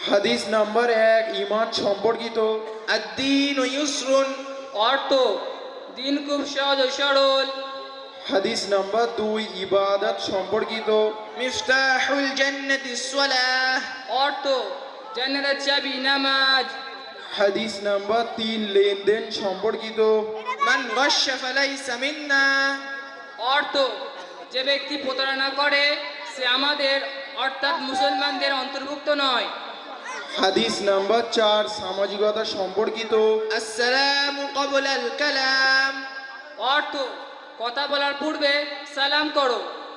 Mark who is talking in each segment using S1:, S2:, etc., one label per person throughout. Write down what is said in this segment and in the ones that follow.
S1: হাদিস নাম্বার 1 ঈমান সম্পর্কিত।
S2: الدين يسر
S3: অর্থ দিন খুব সহজ ও সরল।
S1: হাদিস নাম্বার 2 ইবাদত সম্পর্কিত।
S2: مفتاح الجنة الصلاة
S3: অর্থ জান্নাতের চাবি নামাজ।
S1: হাদিস নাম্বার 3 লেনদেন সম্পর্কিত।
S2: من غش فليس منا
S3: অর্থ যে ব্যক্তি প্রতারণা করে সে আমাদের অর্থাৎ মুসলমানদের অন্তর্ভুক্ত নয়।
S1: হাদিস নাম্বার 4 সামাজিকতা সম্পর্কিত।
S2: السلام قبل الكلام
S3: অর্থ কথা বলার পূর্বে সালাম করো।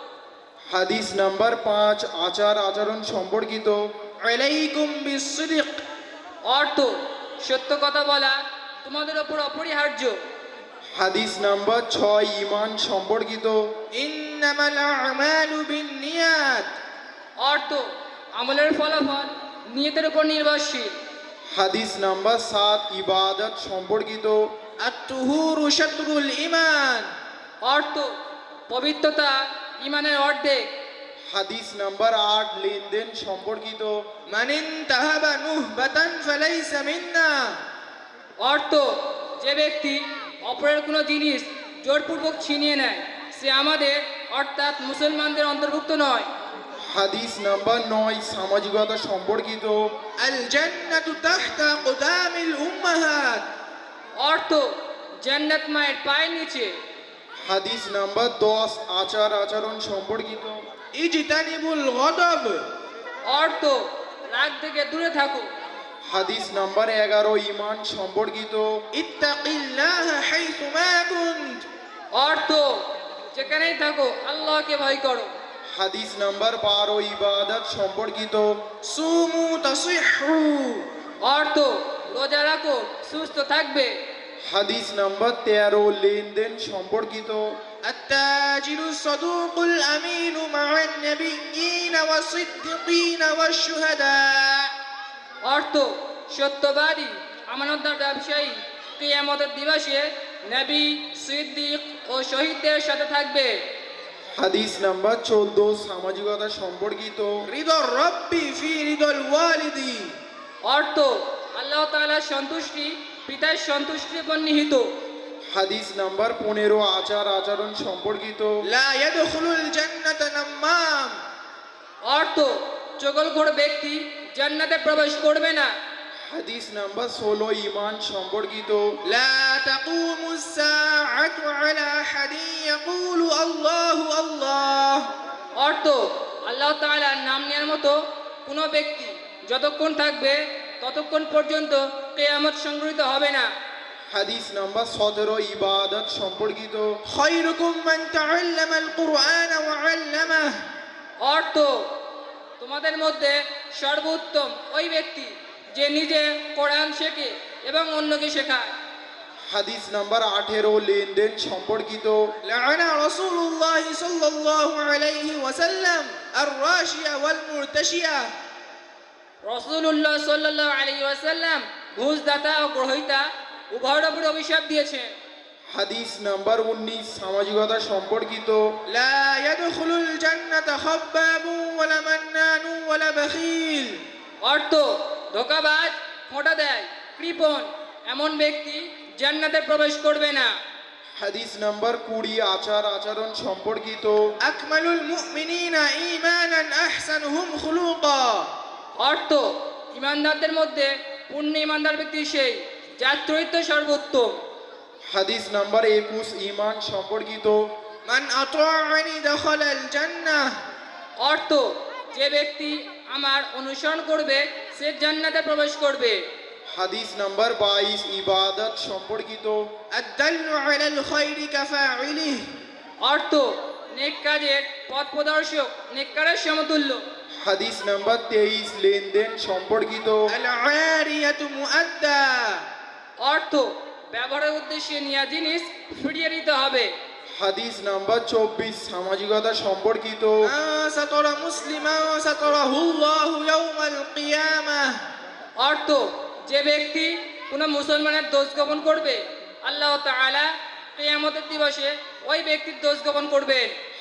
S1: হাদিস নাম্বার 5 আচার আচরণ সম্পর্কিত।
S2: عليكم بالصدق
S3: অর্থ সত্য কথা বলা তোমাদের ওপর অপরিহার্য।
S1: হাদিস নাম্বার 6 ঈমান সম্পর্কিত।
S2: إنما الأعمال بالنيات
S3: অর্থ আমলের ফলাফল নিয়তের উপর নির্ভরশীল।
S1: হাদিস নাম্বার 7 ইবাদত সম্পর্কিত।
S2: الطهور شطر الإيمان
S3: অর্থ পবিত্রতা ইমানের অর্ধেক।
S1: হাদিস নাম্বার 8 লেনদেন সম্পর্কিত।
S2: من انتهب نهبة فليس منا
S3: অর্থ যে ব্যক্তি অপরের কোনো জিনিস জোরপূর্বক ছিনিয়ে নেয় সে আমাদের অর্থাৎ মুসলমানদের অন্তর্ভুক্ত নয়।
S1: হাদিস নাম্বার 9 সামাজিকতা সম্পর্কিত।
S2: الجنة تحت أقدام الأمهات
S3: অর্থ জান্নাত মায়ের পায়ের নিচে।
S1: হাদিস নাম্বার 10 আচার আচরণ সম্পর্কিত।
S2: اجتنبوا الغضب
S3: অর্থ রাগ থেকে দূরে থাকো।
S1: হাদিস নাম্বার 11 ঈমান সম্পর্কিত।
S2: اتق الله حيث ما كنت
S3: অর্থ যেখানেই থাকো আল্লাহকে ভয় করো।
S1: হাদিস নাম্বার 12 ইবাদত সম্পর্কিত।
S2: صوموا تصحوا
S3: অর্থ রোজা রাখো সুস্থ থাকবে।
S1: হাদিস নাম্বার 13 লেনদেন সম্পর্কিত।
S2: التاجر الصدوق الأمين مع النبيين والصديقين والشهداء
S3: অর্থ সত্যবাদী আমানতদার ব্যবসায়ী কিয়ামতের দিবসে নবী সিদ্দিক ও শহীদদের সাথে থাকবে।
S1: হাদিস নাম্বার 14 সামাজিকতা সম্পর্কিত।
S2: رضا الرب في رضا الوالد
S3: অর্থ আল্লাহ তাআলার সন্তুষ্টি পিতার সন্তুষ্টির উপর নিহিত।
S1: হাদিস নাম্বার 15 আচার আচরণ সম্পর্কিত।
S2: لا يدخل الجنة نمام
S3: অর্থ চগলখোর ব্যক্তি জান্নাতে প্রবেশ করবে না।
S1: হাদিস নাম্বার 16 ঈমান সম্পর্কিত।
S2: لا تقوم الساعة على أحد يقول الله الله
S3: অর্থ আল্লাহ তাআলার নাম নেওয়ার মতো কোনো ব্যক্তি যতক্ষণ থাকবে ততক্ষণ পর্যন্ত কিয়ামত সংঘটিত হবে না।
S1: হাদিস নাম্বার 17 ইবাদত সম্পর্কিত।
S2: خيركم من تعلم القرآن وعلمه
S3: অর্থ তোমাদের মধ্যে সর্বোত্তম ওই ব্যক্তি যে নিজে কোরআন শেখে এবং অন্যকে শেখায়।
S1: হাদিস নাম্বার 18 লেনদেন সম্পর্কিত।
S2: لعن رسول الله صلى الله عليه وسلم الراشية والمرتشية
S3: রাসূলুল্লাহ সাল্লাল্লাহু আলাইহি ওয়াসাল্লাম ঘুষদাতা ও গ্রহীতা উভয়ের উপর অভিশাপ দিয়েছেন।
S1: হাদিস নাম্বার 19 সামাজিকতা সম্পর্কিত।
S2: لا يدخل الجنة خباب ولا منان ولا بخيل
S3: অর্থ ধোঁকাবাজ খোঁটা দেয় কৃপণ এমন ব্যক্তি জান্নাতে প্রবেশ করবে না।
S1: হাদিস নাম্বার 20 আচার আচরণ সম্পর্কিত।
S2: أكمل المؤمنين إيمانا أحسنهم خلقا
S3: অর্থ ইমানদারদের মধ্যে পূর্ণ ইমানদার ব্যক্তি সেই যার চরিত্র সর্বোত্তম।
S1: হাদিস নাম্বার 21 ঈমান সম্পর্কিত।
S2: من أطاعني دخل الجنة
S3: অর্থ যে ব্যক্তি আমার অনুসরণ করবে সে জান্নাতে প্রবেশ করবে।
S1: হাদিস নাম্বার 22 ইবাদত সম্পর্কিত।
S2: الدل على الخير كفاعله
S3: অর্থ নেক কাজের পথ প্রদর্শক নেককারের সমতুল্য।
S1: হাদিস নাম্বার 23 লেনদেন সম্পর্কিত।
S2: العارية مؤدى
S3: অর্থ ব্যবহারের উদ্দেশ্যে নেওয়া জিনিস ফিরিয়ে দিতে হবে।
S1: হাদিস নাম্বার 24 সামাজিকতা সম্পর্কিত।
S2: من ستر مسلما ستره الله يوم القيامة
S3: অর্থ যে ব্যক্তি কোনো মুসলমানের দোষ গোপন করবে আল্লাহ তাআলা কিয়ামতের দিবসে ওই ব্যক্তির দোষ গোপন করবেন।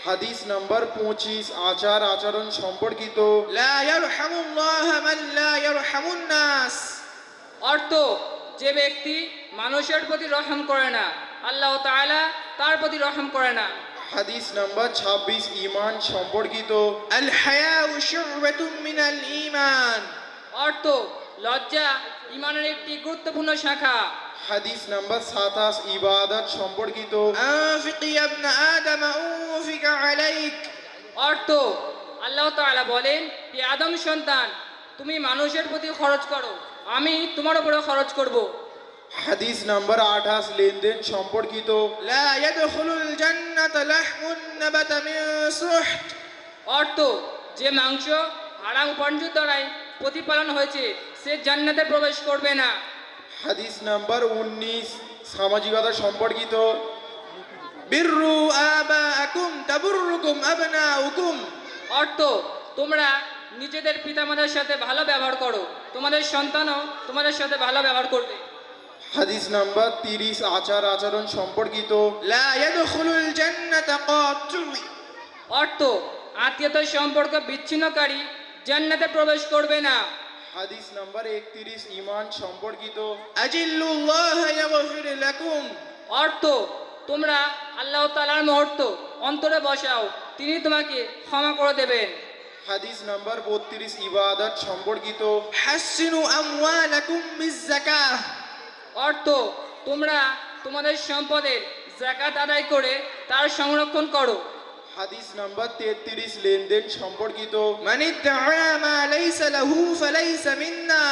S1: হাদিস নাম্বার 25 আচার আচরণ সম্পর্কিত।
S2: لا يرحم الله من لا يرحم الناس।
S3: অর্থ, যে ব্যক্তি মানুষের প্রতি রহম করে না, আল্লাহ তাআলা তার প্রতি রহম করে না।
S1: হাদিস নাম্বার 26 ঈমান সম্পর্কিত।
S2: الحياء شعبة من الإيمان।
S3: অর্থ, লজ্জা ঈমানের একটি গুরুত্বপূর্ণ শাখা।
S1: হাদিস নাম্বার 27 ইবাদত সম্পর্কিত।
S2: أنفق يا ابن آدم أنفق عليك।
S3: অর্থ, আল্লাহ তাআলা বলেন, হে আদম সন্তান, তুমি মানুষের প্রতি খরচ করো, আমি তোমার উপরে খরচ করব।
S1: হাদিস নাম্বার 28 লেনদেন সম্পর্কিত।
S2: لا يدخل الجنة لحم نبت من سحت।
S3: অর্থ, যে মাংস হারাম উপার্জন দ্বারাই প্রতিপালন হয়েছে সে জান্নাতে প্রবেশ করবে না।
S1: হাদিস নাম্বার 19 সামাজিকতা সম্পর্কিত।
S2: بروا آباءكم تبركم أبناؤكم।
S3: অর্থ, তোমরা নিজেদের পিতামাতার সাথে ভালো ব্যবহার করো, তোমাদের সন্তানও তোমাদের সাথে ভালো ব্যবহার করবে।
S1: হাদিস নাম্বার 30 আচার আচরণ সম্পর্কিত।
S2: لا يدخل الجنة قاطع।
S3: অর্থ, আত্মীয়তার সম্পর্ক বিচ্ছিন্নকারী জান্নাতে প্রবেশ করবে না।
S1: হাদিস নাম্বার 31 ঈমান সম্পর্কিত।
S2: أجلوا الله يغفر لكم।
S3: অর্থ, তোমরা আল্লাহ তাআলার মুহূর্ত অন্তরে বসাও, তিনি তোমাকে ক্ষমা করে দেবেন।
S1: হাদিস নাম্বার 32 ইবাদত সম্পর্কিত।
S2: حسنوا أموالكم بالزكاة।
S3: অর্থ, তোমরা তোমাদের সম্পদের যাকাত আদায় করে তার সংরক্ষণ করো।
S1: হাদিস নাম্বার 33 লেনদেন সম্পর্কিত।
S2: من ادعى ما ليس له فليس منا।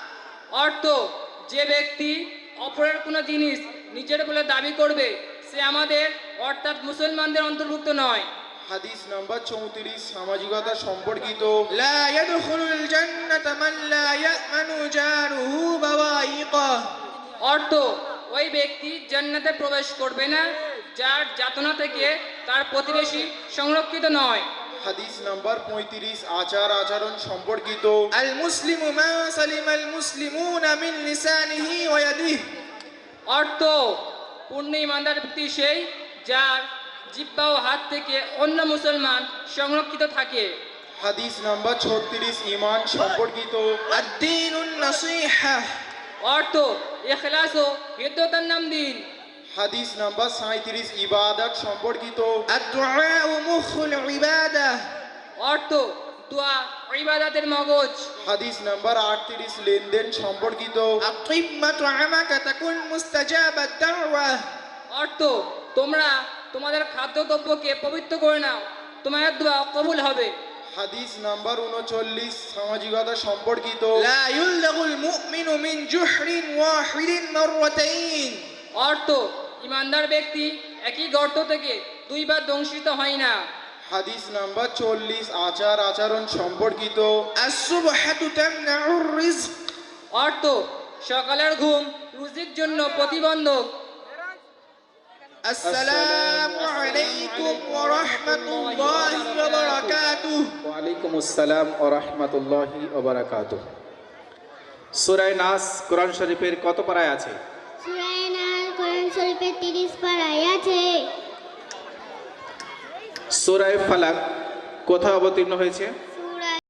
S3: অর্থ, যে ব্যক্তি অপরের কোনো জিনিস নিজের বলে দাবি করবে সে আমাদের অর্থাৎ মুসলমানদের অন্তর্ভুক্ত নয়।
S1: হাদিস নাম্বার 34 সামাজিকতা সম্পর্কিত।
S2: لا يدخل الجنة من لا يأمن جاره بوائقه।
S3: অর্থ, ওই ব্যক্তি জান্নাতে প্রবেশ করবে না যার যাতনা থেকে তার প্রতিবেশী সংরক্ষিত নয়।
S1: হাদিস নাম্বার 35 আচার আচরণ সম্পর্কিত।
S2: المسلم من سلم المسلمون من لسانه ويده।
S3: অর্থ, পূর্ণ ইমানদার ব্যক্তি সেই যার জিহ্বা ও হাত থেকে অন্য মুসলমান সংরক্ষিত থাকে।
S1: হাদিস নাম্বার 36 ঈমান সম্পর্কিত।
S2: الدين النصيحة।
S3: অর্থ, ইখলাস ও হৃদয়তার নাম দিন।
S1: হাদিস নাম্বার 37 ইবাদত সম্পর্কিত।
S2: الدعاء مخ العبادة।
S3: অর্থ, দোয়া ইবাদতের মগজ।
S1: হাদিস নাম্বার 38 লেনদেন সম্পর্কিত।
S2: أقم مطعمك تكن مستجاب الدعوة।
S3: অর্থ, তোমরা তোমাদের খাদ্যদ্রব্যকে পবিত্র করে নাও, তোমাদের দোয়া কবুল হবে।
S1: হাদিস নাম্বার 39 সামাজিকতা সম্পর্কিত।
S2: لا يلدغ المؤمن من جحر واحد مرتين।
S3: অর্থ, ইমানদার ব্যক্তি একই গর্ত থেকে দুইবার দংশিত হয় না।
S1: হাদিস নাম্বার 40 আচার আচরণ সম্পর্কিত।
S2: الصبحة تمنع الرزق।
S3: অর্থ, সকালের ঘুম রুজির জন্য প্রতিবন্ধক।
S2: السلام عليكم ورحمة الله وبركاته।
S4: ওয়ালাইকুম আসসালাম ও রহমতুল্লাহি ওয়া বারাকাতুহু। সূরা নাস কোরআন শরীফের কত পারায় আছে?
S5: সূরা নাস কোরআন শরীফের 30 পারায় আছে।
S4: সূরা ফালাক কোথায় অবতীর্ণ হয়েছে?